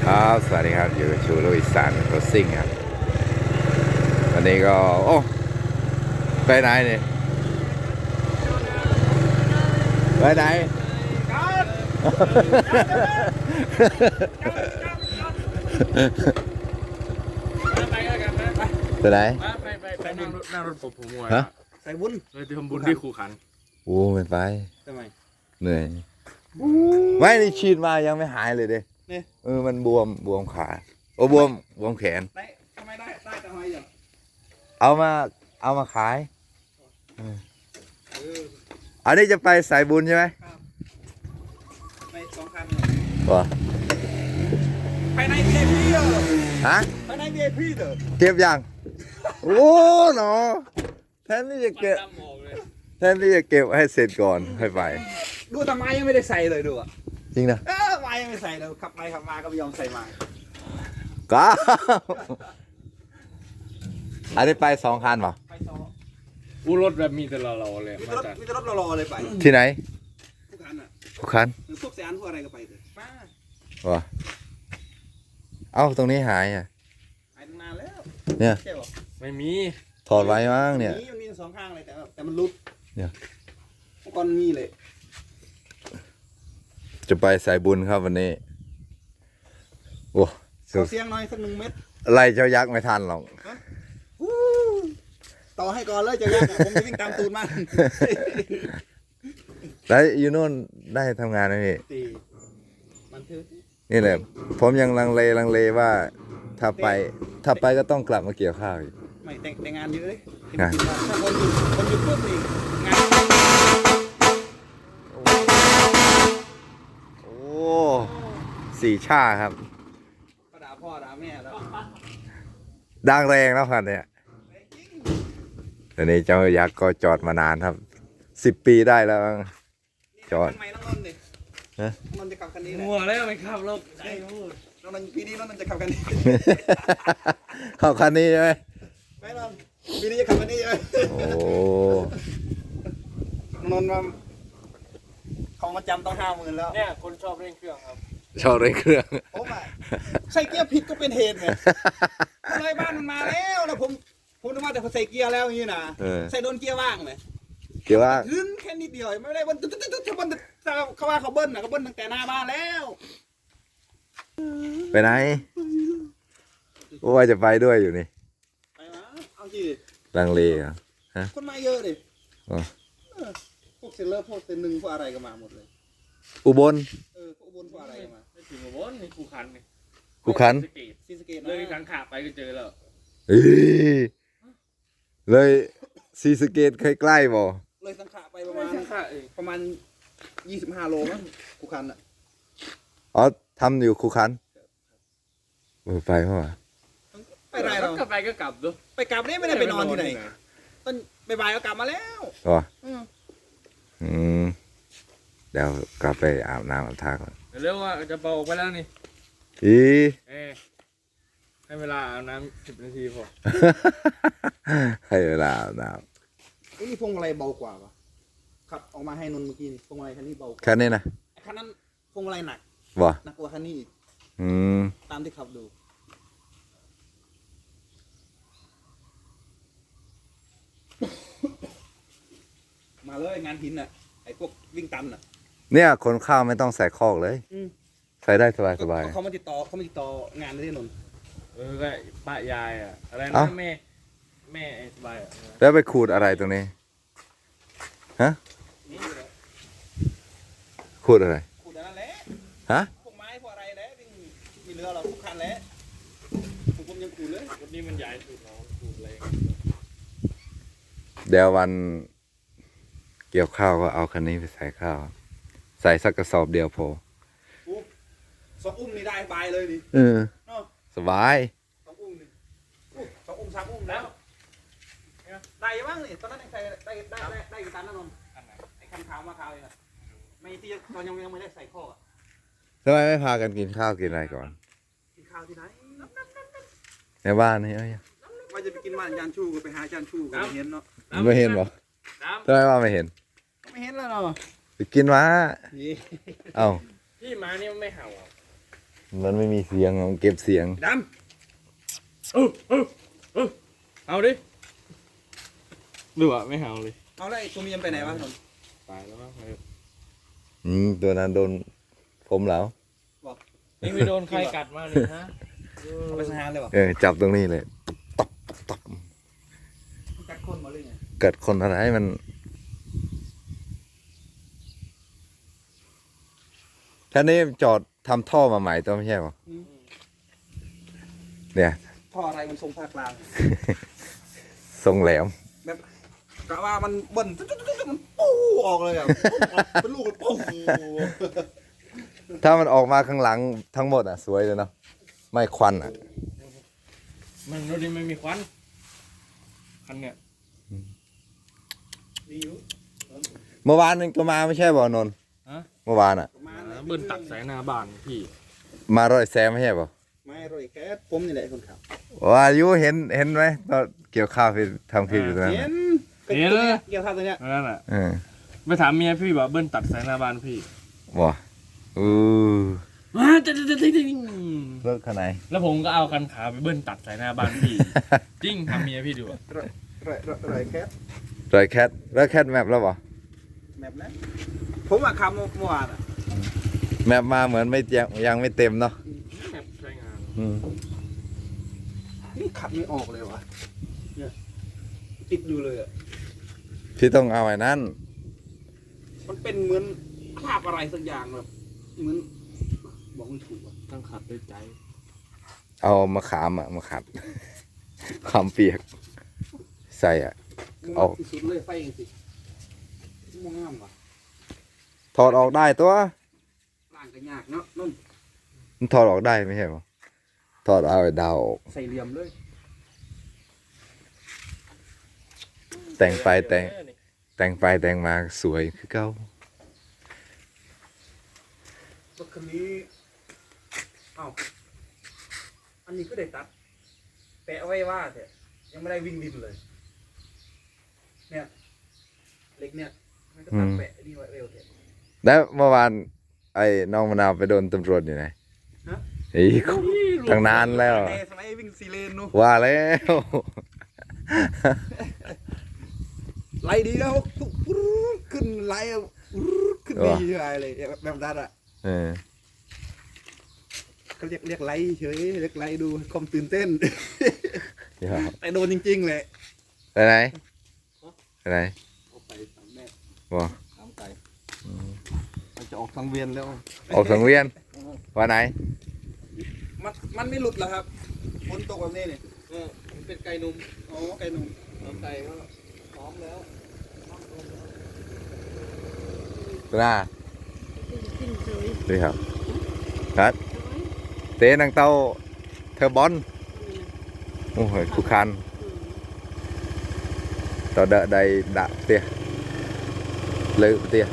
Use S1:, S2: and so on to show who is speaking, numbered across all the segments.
S1: ครับสวัสดีครับอยู่กับชูลุยสานโรซิ่งครับวันนี้ก็โอ้ไปไหนเนี่ยไปไหนไปไหน
S2: ไปนั่งรถผมมวย
S1: ฮะ
S3: ใส่บุญ
S2: เลยทำบุญที่คูขัน
S1: โอ้ไม่ไป
S3: ทำไม
S1: เหนื่อยไม่ได้ฉีดมายังไม่หายเลยเด้
S3: เนี่ย
S1: มันบวมขาโอ้บวมแขน
S3: ได้ทำไมได้ทำไมอย่าง
S1: เอามาขายอันนี้จะไปสายบุญใช่ไหม
S3: ไปสองคัน
S1: วะ
S3: ภายใน VIP เหรอ
S1: ฮะ
S3: ภายใน VIP เหรอ
S1: เก็บยัง โอ้หนอแทนที่จะเก็บให้เสร็จก่อนค่อยไป
S3: ดูทำไมยังไม่ได้ใส่เลยดูอ่ะ
S1: จริงนะ
S3: ไม้ยังไม่ใส่เลยขับไปขับมาก็ไม่ยอมใส่ไม้
S1: ก้าอันนี้ไป2 คันเปล่า
S3: ไปสอง
S2: อู้รถแบบมีแต่เราเลย
S3: มี
S2: มา
S3: แต่รถ
S2: จาก
S3: มีแต่รถรอๆเลยไป
S1: ที่ไหน
S3: ทุกคันอ่ะ
S1: ทุกคัน
S3: พวกแสนพวกอะไรก็ไปเลยมาว
S1: ะเอ้าตรงนี้หายอ่ะ
S3: หายตั้งนานแล้ว
S1: เนี่ย
S3: ใช่ป่ะ
S2: ไม่มี
S1: ถอดไว้มั้งเนี่ย
S3: มันมีสองข้างเลยแต่มันรุด
S1: เนี่ย
S3: เมื่อก่อนมีเลย
S1: จะไปสายบุญครับวันนี้ โอ้
S3: ขอเสียงหน่อยสัก1 เม็ด
S1: ไล่เจ้ายักษ์ไม่ทันหรอก
S3: วู้ต่อให้ก่อนเลยจะยากอะผมจะวิ่งตามตูดมัน
S1: แล้วอยู่โน่นได้ทำงานไหมพี่
S3: ตีมันถือ
S1: นี่แหละ ผมยังลังเลว่า ถ้าไปก็ต้องกลับมาเกี่ยวข้าวอีก
S3: ไม่แต่งานเยอะเลย
S1: งาน
S3: ถ้าคนหยุดปุ๊บนี่งาน
S1: โอ้4 ชาครับ
S3: ก็ด่าพ่อด่าแม่แล้ว
S1: ดังแรงแล้วครับเนี่ยตอนนี้เจ้ายักษ์ก็จอดมานานครับ10 ปีได้แล้วมั้ง จอด
S3: ทำไมน้องนนท์ดิ
S1: ฮะ
S3: น้องนนท์จะขับคันนี้แหละ
S2: มัวแล้วไม่ขับรถได้
S3: น้องนนท์ปีนี้น้องนนท์จะขับคันนี้
S1: เข้าคันนี้ใช่ไหม
S3: ไม่น้องปีนี้จะขับคันนี้ใช่ไหม
S1: โอ้
S3: น้องนนท์มาของมาจำต้อง50,000แล้ว
S2: เนี่ยคนชอบเร่งเครื่องครับ
S1: ชอบเร่งเครื่อง
S3: ผมอ่ะใส่เกียร์ผิดก็เป็นเหตุไงเลยบ้านมันมาแล้วผมนึกว่าแต่พอใส่เกียร์แล้วอย่างนี้นะ ใส่โดนเกียร์ว่างไหม
S1: เกี่ยวว่า
S3: ขึ้นแค่นิดเดียวไม่ได้บนตึ๊ดถ้าบนเขาว่าเขาเบิ้ลนะเขาเบิ้ลตั้งแต่หน้าบ้านแล้ว
S1: ไปไหนโอ้ว่าจะไปด้วยอยู่นี่
S3: ไปมาเอาสิ
S1: ลังเลเหรอ
S3: คนมาเยอะดิ
S1: อ๋อ
S3: พวกเซลเลอร์พวกเซนหนึ่งพวกอะไรก็มาหมดเลย
S1: อุบล
S3: พวกอุบลพวกอะไรก็มา
S2: ไม่ถึงกับนนี่คูขันนี่
S1: กูขัน
S2: สเกต
S3: ซีสะเกต
S2: เลยขันขาไปก็เจอแล้ว
S1: เอ้ยเลยซีสะเกตใกล้ๆบ่
S3: เลยสังขะไปประ
S2: ไม่
S3: มาณ
S2: ใช่ขาเอง
S3: ประมาณ25 โลมั้งกูคันอ่ะ
S1: อ๋อทำอยู่คูขันไปเพราะว่า
S3: ไปไรเรา
S2: กลับไปก็กลับดู
S3: ไปกลับนี่ไม่ได้ไปนอนที่ไหนต้นบ่ายๆก็กลับมาแล้ว
S1: อ๋อ
S3: อืม
S1: อืมเดี๋ยวกลับไปอาบน้ำอาบท่าก่อน
S2: เร็วว่าจะเป่าออกไปแล้วนี่
S1: อี
S2: ให้เวลาอาบน้ำ10 นาทีพอ
S1: ให้เวลาอาบน้
S3: นี่พวงอะไรเบากว่าปะขับออกมาให้นนท์เมื่อกี้นี่พวงอะไรคันนี้เบาก
S1: ำ
S3: ว่า
S1: แค่นี้นะ
S3: ไอ้คันนั้นพวงอะไรหนัก
S1: บ่
S3: หนักกว่าคันนี้อีก
S1: อืม
S3: ตามที่ขับดู มาเลยงานหินน่ะไอ้พวกวิ่งตันน่ะ
S1: เนี่ยคนข้าวไม่ต้องใส่คอกเลย
S3: อืม
S1: ใส่ได้สบาย
S3: เขามาติดต่องานที่นนท์
S2: ก็ป้ายายอ่ะอะไร
S1: เอ้า
S2: นะแม่ไอ้สบายอ่ะ
S1: ๆแล้วไปขูดอะไรตรงนี้ฮะ
S3: นี่แหละ
S1: ขูดอะไร
S3: ขุดอันนั้นแหละ
S1: ฮะ
S3: พวกไม้พวกอะไรแหละวิ่งมีเรือเราทุกคันแหละผมยังขุดเลย
S2: วันนี้มันใหญ่สุดเนาะสุดเลย
S1: เดี๋ยววันเกี่ยวข้าวก็เอาคันนี้ไปใส่ข้าว ใส่สักกระสอบเดียวพอ
S3: สองอุ้มนี่ได้บายเลยนี่
S1: เออ
S3: เนาะ
S1: สบาย
S3: สองอุ้มนี่สองอุ้ม3 อุ้มแล้วได้บ้างนี่ตอนนั้นยังใส่ได้กี่ตันนะนนท์ไอ้คันขาวมาขาวเลยนะไม่ที่เรายังไม่ได้ใส่ข้ออ่ะ
S1: ทำไมไม่พากันกินข้าวกินอะไรก่อน
S3: กินข้าวที่ไหน
S1: ในบ้านนี่เอ้ย
S3: ว่าจะไปกินบ้านอาจารย์ชูก็ไปหาอาจารย์ชูก็ไม่เห็นเนาะ
S1: ไม่เห็นเหรอ
S2: น้
S1: ทำไมว่าไม่เห็น
S3: ไม่เห็นแล้วเนาะ
S1: ไปกินมา
S3: นี่
S1: เอ้า
S2: ำพี่มานี่มันไม่เห่าอ่ะ
S1: มันไม่มีเสียงมันเก็บเสียง
S3: ด
S2: เอาดิหรือว่าไม่เอาเลย
S3: ำเอาแล้วไอ้ตัวเมียไปไหนวะนนท์
S2: ตายแล้วมั้ง
S1: ตัวนั้นโดนผมแล้ว
S2: นี่ไม่โดนใครกัดมาเลยฮะ
S3: เอาไปสังหารเลยวะ
S1: จับตรงนี้เลยตับตับ
S3: กัดคนมาเลยไง
S1: เกิดคนอะไรมันท่านนี้จอดทำท่อมาใหม่ตัวไม่ใช่หรอเนี่ย
S3: ท่ออะไรมันทรงภาคกลาง
S1: ทรงแหลม
S3: แบบกะว่ามันเบิ่นมันปูออกเลยอ่ะเป็นลูกเลยปู
S1: ถ้ามันออกมาข้างหลังทั้งหมดสวยเลยเนาะไม่ควัน
S2: มันรถนี้ไม่มีควันคันเนี่ย
S3: ดีอยู่
S1: เมื่อวานนึงก็มาไม่ใช่บ่นนท์
S2: ฮะ
S1: เมื่อวาน
S3: ประมาณ
S2: เบิ้ลตัดสายหน้าบ้านพี่
S1: มารอยแซมไม่ใช่บ่
S3: ไม่รอยแค่ผมนี่แหละคนขับ
S1: ว่าอายุเห็นไหมตอนเกี่ยวข้าวพี่ทำคลิปอยู่ตรงนั้น
S3: เห็น
S2: เห็นเลย
S3: เกี่ยวข้าวตัวเนี้ย
S2: นั่นแหละ
S1: เออ
S2: ไปถามเมียพี่ว่าเบิ้ลตัดสายหน้าบ้านพี่
S1: บ่อู้
S2: ว้าจะ
S1: รถคันไหน
S2: แล้วผมก็เอาคันขาไปเบิ้ลตัดสายหน้าบ้านพี่ จริงทำเมียพี่ดูอะ
S3: รอยแค่
S1: รอยแคทแล้วแคทแมปแล้วบ่
S3: แบบนั้นผมอะขับเมื่อวานอะ
S1: แมปมาเหมือนไม่ยังไม่เต็มเนาะ
S2: แบบใช้งาน
S1: อืม
S3: นี่ขับไม่ออกเลยวะเนี่ยติดอยู่เลยอะ
S1: พี่ต้องเอาไอ้นั้น
S3: มันเป็นเหมือนคราบอะไรสักอย่างแบบเหมือนบอกไม่ถูกอะ
S2: ต้องขัดด้วยใจ
S1: เอามะขามมาขัด ขามเปียก ใส่เอา
S3: ที่สุดเลยไฟเองสิม่วงงามว่ะ
S1: ถอดออกได้ตัว
S3: ล่างก็ยากเนาะนุ่น
S1: มันถอดออกได้ไม่ใช่หรอถอดเอาไอ้ดาวออก
S3: ใส่เหลี่ยมเลย
S1: แต่งไปแต่งมาสวยคือเก่าร
S3: ถคันนี้เอ้าอันนี้ก็ได้ตัดแปะไว้ว่าแต่ยังไม่ได้วิ่งดินเลยเนี่ยเหล็กเนี่ยมันก็ตัดแปะนี่ไว้เร็วเถอะ
S1: แล้วเมื่อวานไอ้น้องมะนาวไปโดนตำรวจอยู่ไหน
S3: ฮะ
S1: อีกตั้งนานแล้ว
S3: แต่สมัยวิ่งซีเลนนู้น
S1: ว่าแล้ว
S3: ไล่ดีแล้วขึ้นไล่ขึ้นดีอะไรเลยแบบนั้นอ่ะ
S1: เออ
S3: เขาเรียกไล่เฉยเรียกไล่ดูความตื่นเต้น
S1: เดี๋ยว
S3: แต่โดนจริงๆเลย
S1: ไปไหนไปไหน
S3: เอาไปสามแม่
S1: บ่
S3: สามไก่มันจะออกทางเวียนแล้ว
S1: ออกสังเวียนวันไหน
S3: มันไม่หลุดหรอครับฝนตกแบบนี้เนี่ยมันเป็นไก่นุ่มอ๋อไก่นุ่มไก่ก็พร้อมแล้ว
S1: หน้าดีครับครับเต้นังเต้าเทอร์บอนโอ้โหคุกคันต่อเดะใดดะเตี้ยเลยเตี้ย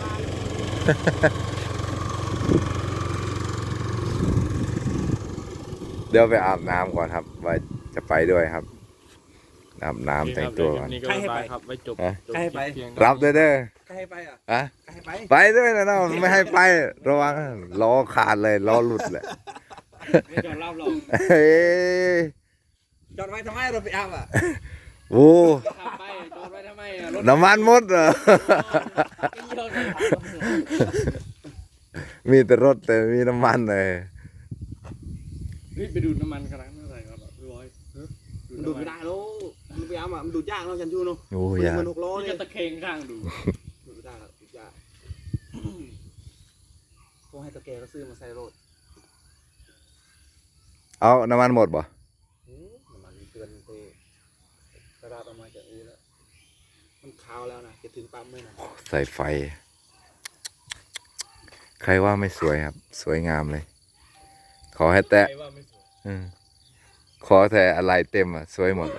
S1: เดี๋ยวไปอาบน้ำก่อนครับว่าจะไปด้วยครับอาบน้ำแต่งตัวก่อน
S2: นี่ก็บ๊ายบายครับไว้จบ
S3: ใครให้ไป
S2: เพียง
S1: รับด้วยเด้อ
S3: ใครให้ไปอ่ะ
S1: อะ
S3: ใครให้ไป
S1: ไปด้วยนะเนาะไม่ให้ไประวังล้อขาดเลยล้อหลุดเลย
S2: ไม่จอดรับหรอก
S1: เฮ้ย
S3: จอดไว้ทำไมเราไปอาบอ่ะ
S1: โอ้
S2: ขับไปจอดไว้ทำไมอะรถ
S1: น้ำมันหมดเหรอ
S2: ไม่เยอะเลย
S1: มีแต่รถแต่มีน้ำมันเลย
S2: รีบไปดูดน้ำมันกระนั้นเท่าไหร่ครับพี่บอย
S3: มันดูดไม่ได้แล้วมันไปอาบอ่ะมันดูดยากเนาะจันชูเนาะ
S1: โอ้
S3: มัน
S1: ยา
S3: มันหกล้อ
S2: นี่
S3: เนี่
S2: ก็
S3: ย
S2: ตะเคงข้างดู
S3: ดูดไม่ได้ครับดูดยากพวกให้ตะแกก็ซื้อมาใส่รถ
S1: เอาน้ำมันหมดบ่
S3: น้ำมันเตือนเตะกระดาษออกมาจากอูแล้วมันขาวแล้วนะจะถึงปั๊มไหมนะ
S1: ใส่ไฟ ใครว่าไม่สวยครับ สวยงามเลย ขอให้แตะ
S2: ใครว่าไม่สวย
S1: อืมขอแต่อะไรเต็มสวยหมด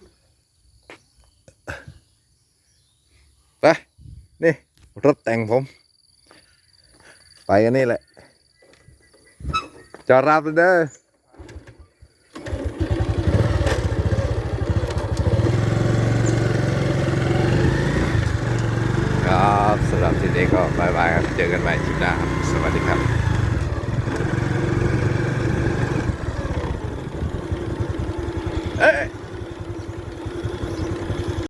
S1: ไปนี่รถแต่งผม ไปกันนี่แหละ จอดรับเลยเด้อครับสำหรับที่นี้ก็บายบายครับ เจอกันใหม่คลิปหน้าครับสวัสดีครับเอ้ย